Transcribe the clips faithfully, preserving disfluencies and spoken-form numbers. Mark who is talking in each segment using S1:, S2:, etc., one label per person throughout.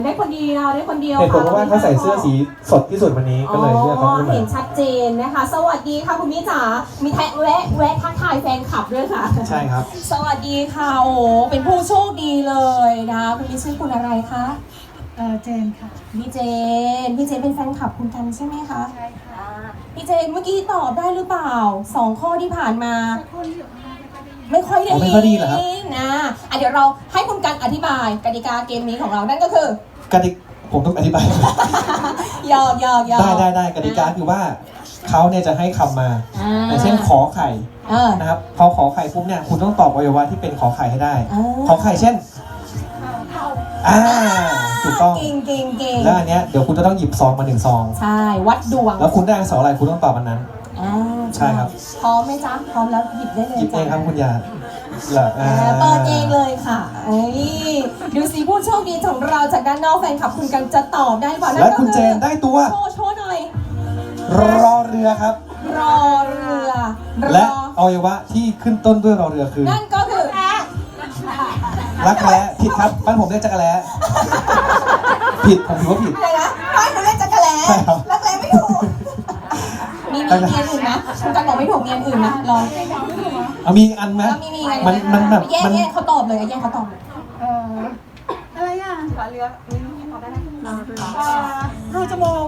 S1: ได้คนเดียวได้คนเดียว
S2: เหตุผลเพราะว่าเขาใส่เสื้อสีสดที่สุดวันนี้ก็เลยเลือกเขาขึ้นมา
S1: เห็นชัดเจนนะคะ สวัสดีค่ะคุณมิจ๋ามีแท็กแวะแวะทักทายแฟนคลับด้วยค่ะ
S2: ใช่ครับ
S1: สวัสดีค่ะโอ้เป็นผู้โชคดีเลยนะคุณมิชื่อคุณอะไรคะ
S3: เออเจนค่ะ
S1: พี่เจนพี่เจนเป็นแฟนคลับคุณกันใช่ไหมคะ
S3: ใช่ค่ะ
S1: พี่เจนเมื่อกี้ตอบได้หรือเปล่าสองข้อที่ผ่านมาไม่ค่อยได้ยินนะอ่ะเดี๋ยวเราให้คุณกันอธิบายกติกาเกมนี้ของเรานั่นก็คือก
S2: ติกาผมต้องอธิบาย
S1: ยอกยอกยอก
S2: ได้ได้ได้กติกาคือว่าเขาเนี่ยจะให้คำมาอย่างเช่นขอไข่นะครับพอขอไข่ปุ๊บเนี่ยคุณต้องตอบอวัยวะที่เป็นขอไข่ให้ได้ขอไข่เช่นอ่าถูกต้อง
S1: เก่งเก่งเก่ง
S2: แล้วอันเนี้ยเดี๋ยวคุณจะต้องหยิบซองมาหนึ่งซอง
S1: ใช่วัดดวง
S2: แล้วคุณได้อักษรอะไรคุณต้องตอบมันนั้นใช่ครับ
S1: พร้อมไหมจ๊ะพร้อมแล้วหยิบได้เลย
S2: หยิบเองครับคุณยา
S1: เปิดเองเลยค่ะดูสิผู้โชคดีของเราจากด้านนอกแฟนคลับคุณกันจะตอบได้ป่ะ
S2: และคุณเจนได้ตัว
S1: โชว์โชว์หน่อย
S2: รอเรือครับ
S1: รอเรือ
S2: และอวัยวะที่ขึ้นต้นด้วยรอเรือคือ
S1: นั่นก็คือ
S2: รักแร้ผิดครับบ้านผมเรียกจักรแร้ผิดผมถือว่าผิด
S1: อะไรนะบ้านผมเรียกจักรแร้รักแร้ไม่ถูกมีมีเมียอื่นนะคุณกันบอกไม่ถูกเมียอื่นนะลอง
S2: เอามีอันไหม
S1: มีมี
S2: มันมันแบบ
S1: แย่แย่เขาตอบเลยแย่เขาตอบเลย
S3: เอออะไรอ่ะรอเรือตอบได้ไหมรูจมูก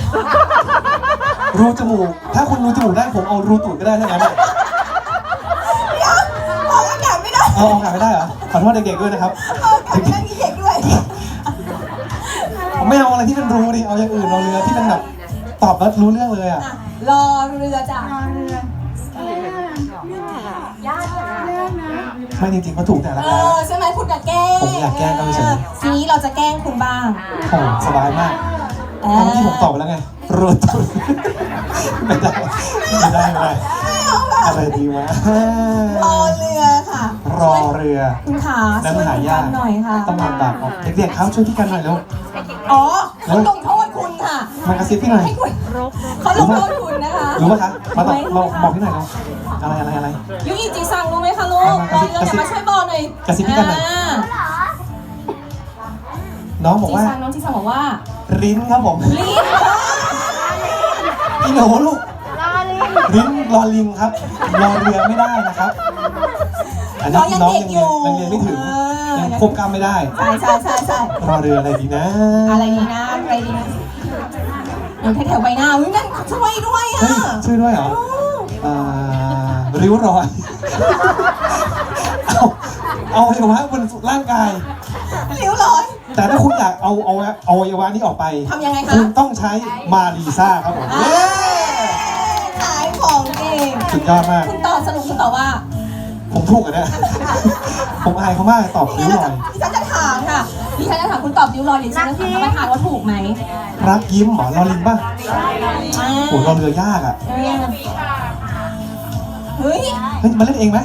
S2: รูจมูกถ้าคุณรูจมูกได้ผมเอารูตูดก็ได้ทั้งนั้น
S1: ออกอากาศไม่ได้
S2: เอาออกอากาศไม่ได้เหรอขอโทษเด็กๆด้วยนะครับ
S1: เด็กๆมีเด็กด้วย
S2: ไม่เอาอะไรที่เป็นรูดิเอาอย่างอื่นรอเรือที่เป็นแบบตอบแล้วรู้เรื่องเลยอ่ะ
S1: รอเรือจ้ะ
S3: รอเรือยากยากนะ
S2: ไม่จริงๆเขาถูกแต่ละ
S1: เออใช่ไหมคุณจะแกล้ง
S2: ผมอยากแกล้งก็ไม่ใช่
S1: ทีนี้เราจะแกล้งคุณบ้าง
S2: โอ้สบายมากเมื่อกี้ผมตอบไปแล้วไงรูตูดไม่ได้ไม่ได้ไม่ได้อะไรดีวะ
S1: รอเรือค่ะ
S2: รอเรือ
S1: คุณขาช่วยพี่กันหน่อยค่ะ
S2: ต้องลำบากเด็กๆครับช่วยพี่กันหน่อยแล้ว
S1: อ๋อเขาลงโทษคุณค่ะ
S2: มากระซิบพี่หน่อย
S1: เขาลงโทษคุณนะคะ
S2: รู้ป่ะคะมาตอบเราบอกพี่หน่อยเราอะไรอะไรอะไร
S1: ยูอิจิซังรู้ไหมคะลูกรอเรืออย่ามาช่วยบอกหน่อย
S2: กระซิบพี่กันหน่อยน้องบอกว่า
S1: น้องจิซังบอกว่า
S2: ลิ้นครับผม
S1: ลิ้น
S2: พี่หนูลูกลิ้นรอลิงครับรอเรือไม่ได้นะครับอันนี้น้องยังเรียนยังเรียนไม่ถึงยังควบกล้ามไม่ได้
S1: ใช่ใช่ใช่ใช่
S2: รอเรืออะไรดีนะ
S1: อะไรดีนะอะไรดีนะอยู่แถวใบหน้าวิ่งนั่นช่วยด้วยอ่ะ
S2: ช่วยด้วยเหรอริ้วรอยเอาเอาอวัยวะบนร่างกาย
S1: ริ้วรอย
S2: แต่ถ้าคุณอยากเอาเอาเอาอวัยวะนี้ออกไป
S1: ทำยังไงคะ
S2: คุณต้องใช้มารีซ่าครับผม
S1: ขายของเอง
S2: สุดยอดมาก
S1: คุณตอบสรุปคุณตอบว่า
S2: ผมถูกอ่ะเนี่ยผมอายเขามากตอบริ้วรอย
S1: ดิฉันจะถามค่ะดิฉันจะถามคุณตอบริ้วรอยดิฉันจะถามท่านประธานว่าถูกไหม
S2: รักยิ้มหมอรอลิงป่ะโหรอเรือยากอ่ะ
S1: เฮ้ย
S2: เฮ้ยมาเล่นเองไหม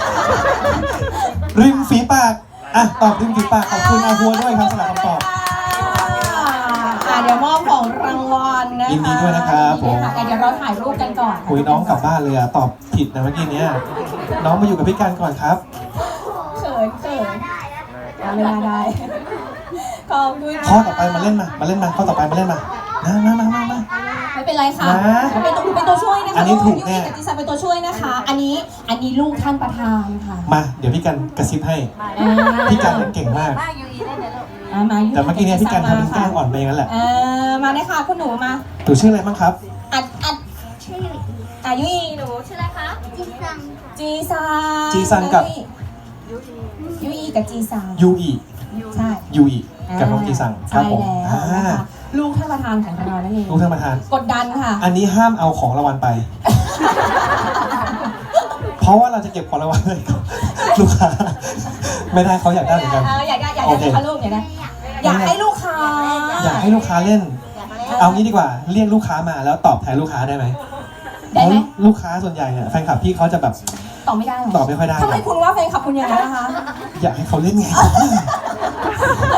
S2: ริมฝีปากอ่ะตอบริมฝีปากขอบคุณอาหัวด้วยครับสำหรับคำตอบ
S1: เดี๋ยวมอบของรางวัลนะคะ
S2: ยินดีด้วยนะครับผม
S1: เดี๋ยวเราถ่ายรูปกันก่อน
S2: คุยน้องกลับบ้านเลยอ่ะตอบผิดนะเมื่อกี้เนี้ยน้องมาอยู่กับพี่กันก่อนครับ
S1: เขินเขินเวลาได้ขอบคุณ
S2: ข้อต่อไปมาเล่นมามาเล่นมาข้อต่อไปมาเล่นมามามามามามา
S1: ไม่เป็นไรค่ะเป็นตัวเป็นตัวช่วยนะคะ
S2: อันนี้ถูกแน่
S1: จิซังเป็นตัวช่วยนะคะอันนี้อันนี้ลูกท่านประธานค่ะ
S2: มาเดี๋ยวพี่กันกระซิบให้พี่กันเก่งมากแต่เมื่อกี้เนี่ยพี่กันทำเป็นแกล้งอ่อนไปงั้นแหละ
S1: มาได้ค่ะคุณหนูมา
S2: หนูชื่ออะไรบ้างครับ
S1: อัดอัด
S3: ชื่อ
S1: อายุอีหนูชื่ออะไรคะ
S3: จีซัง
S1: จีซัง
S2: จีซังกับ
S1: ยูอีกับจีซัง
S2: ยูอี
S1: ใช่
S2: ยูอีกับน้องจีซังครับผม
S1: ลูกท่านประธานของเรานั่นเอง
S2: ลูกท่านประธาน
S1: กดดันค่ะ
S2: อันนี้ห้ามเอาของรางวัลไปเพราะว่าเราจะเก็บของรางวัลเลยลูกค้าไม่ได้เขาอยากได้เหมือนกัน
S1: อยากได้อยากได้ค่ะลูกอยากได้อยากให้ลูกค้า
S2: อยากให้ลูกค้าเล่นเอางี้ดีกว่าเรียกลูกค้ามาแล้วตอบแทนลูกค้าได้ไหม
S1: ได้ไหม
S2: ลูกค้าส่วนใหญ่เนี่ยแฟนคลับพี่เขาจะแบบ
S1: ตอบไม่ได้หรอ
S2: ตอบไม่ค่อยได้
S1: ทำไมคุณว่าแฟนคลับคุณอย่างนั้นนะคะ
S2: อยากให้เขาเล่นไง